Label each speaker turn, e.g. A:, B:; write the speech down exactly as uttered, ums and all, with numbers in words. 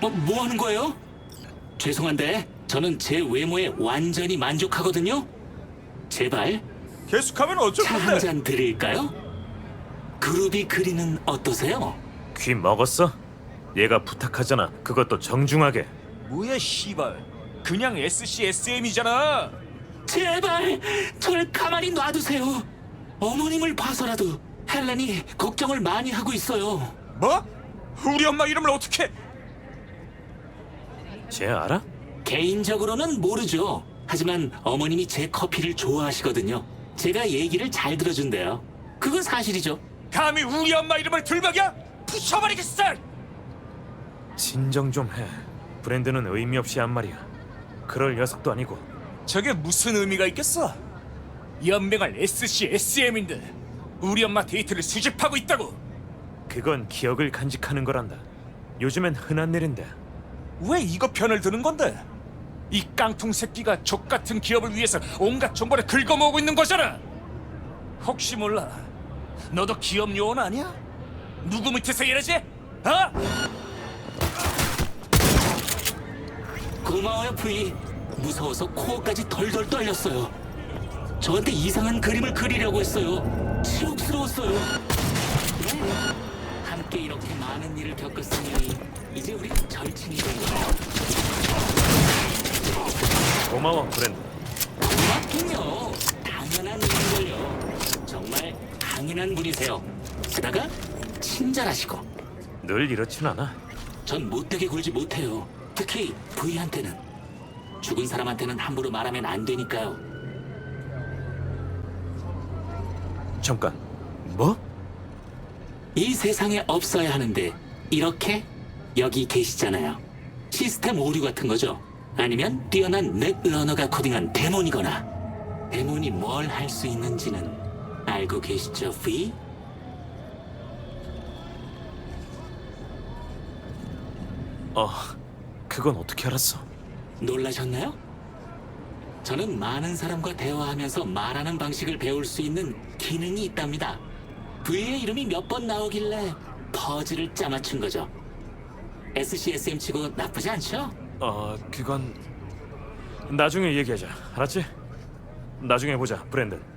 A: 뭐, 뭐 하는 거예요? 죄송한데 저는 제 외모에 완전히 만족하거든요. 제발
B: 계속하면 어쩔
A: 차 한
B: 건데?
A: 잔 드릴까요? 그루비 그리는 어떠세요?
C: 귀 먹었어? 얘가 부탁하잖아. 그것도 정중하게.
B: 뭐야 씨발. 그냥 에스씨 에스엠이잖아.
A: 제발 절 가만히 놔두세요. 어머님을 봐서라도 헬렌이 걱정을 많이 하고 있어요.
B: 뭐? 우리 엄마 이름을 어떻게?
C: 쟤 알아?
A: 개인적으로는 모르죠. 하지만 어머님이 제 커피를 좋아하시거든요. 제가 얘기를 잘 들어준대요. 그건 사실이죠.
B: 감히 우리 엄마 이름을 들먹여? 부숴버리겠어!
C: 진정 좀 해. 브랜드는 의미 없이 한 말이야. 그럴 녀석도 아니고.
B: 저게 무슨 의미가 있겠어? 연맹할 에스씨 에스엠인데 우리 엄마 데이트를 수집하고 있다고.
C: 그건 기억을 간직하는 거란다. 요즘엔 흔한 일인데.
B: 왜 이거 편을 드는 건데? 이 깡통 새끼가 족 같은 기업을 위해서 온갖 정보를 긁어모으고 있는 거잖아. 혹시 몰라, 너도 기업 요원 아니야? 누구 밑에서 일하지? 어?
A: 고마워요, 부이. 무서워서 코어까지 덜덜 떨렸어요. 저한테 이상한 그림을 그리려고 했어요. 치욕스러웠어요. 네. 함께 이렇게 많은 일을 겪었으니 이제 우리 절친이 된 거예요.
C: 고마워, 브랜드.
A: 고맙긴요. 당연한 일인걸요. 정말 강인한 분이세요. 게다가 친절하시고.
C: 늘 이렇진 않아.
A: 전 못되게 굴지 못해요. 특히 부이한테는. 죽은 사람한테는 함부로 말하면 안 되니까요.
C: 잠깐. 뭐?
A: 이 세상에 없어야 하는데 이렇게 여기 계시잖아요. 시스템 오류 같은 거죠. 아니면 뛰어난 넷러너가 코딩한 데몬이거나. 데몬이 뭘 할 수 있는지는 알고 계시죠, 부이?
C: 어, 그건 어떻게 알았어?
A: 놀라셨나요? 저는 많은 사람과 대화하면서 말하는 방식을 배울 수 있는 기능이 있답니다. V의 이름이 몇 번 나오길래 퍼즐을 짜맞춘 거죠. 에스씨에스엠 치고 나쁘지 않죠?
C: 어, 그건 나중에 얘기하자. 알았지? 나중에 보자, 브랜든.